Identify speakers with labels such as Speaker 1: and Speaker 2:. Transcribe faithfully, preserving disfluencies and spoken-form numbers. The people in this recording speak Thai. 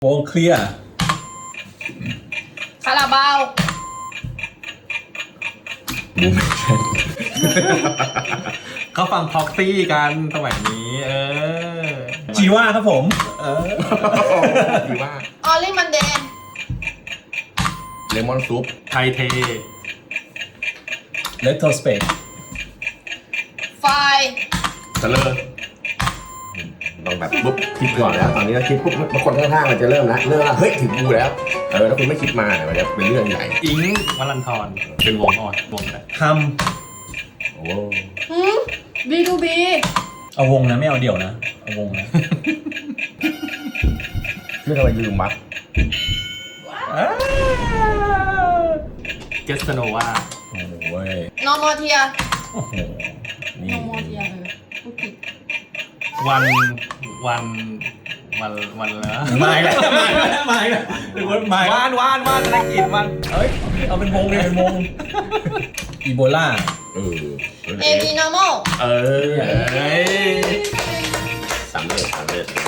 Speaker 1: วงเคลียร์
Speaker 2: คาราบาว
Speaker 3: บูม
Speaker 4: เขาฟังพ็อกซี่กันสมัยนี้เออ
Speaker 1: จีว่าครับผม
Speaker 4: เออ
Speaker 3: ดีว่า
Speaker 2: ออลลี่มันเดน
Speaker 3: เลมอนซุป
Speaker 4: ไทเท
Speaker 1: เลตโทสเปก
Speaker 2: ไฟ
Speaker 3: เทเลอร์ต้องแบบปุ๊บคิดก่อนแล้วตอนนี้เราคิดปุ๊บบางคนข้างๆมันจะเริ่มแล้วเริ่มแล้วเฮ้ยถึงกูแล้วเออแล้วคุณไม่คิดมาเนี่ยมันจะเป็นเรื่องใหญ่
Speaker 4: อิงวัลันทรเป็นวงอ่อนวงแบบ
Speaker 1: ฮัม
Speaker 3: โอ้
Speaker 2: หืมบีทูบี
Speaker 1: เอาวงนะไม่เอาเดี่ยวนะ เอาวงนะ
Speaker 3: เรื่องอะไรลืมมัด
Speaker 4: เกสโนวา
Speaker 1: โอ้ย
Speaker 2: นอร์มอเทีย
Speaker 1: โอ้โห
Speaker 2: น
Speaker 1: นี่
Speaker 2: อร์มอเทียเลยพูดผิด
Speaker 4: วันวันวันวันแล้ว
Speaker 1: มาอีกแล้วมาอีกแล้วมาอีกแล้วเป็นคนมาอีกแล้ว
Speaker 4: วานวานวานธนกิจวัน
Speaker 1: เอ้ยเอาเป็นวงเลยเป็นวงอีโบลา
Speaker 3: เออ
Speaker 2: เอบีนอร์มอล
Speaker 3: เออ
Speaker 4: เอ้ย
Speaker 3: สามเลือดสามเลือด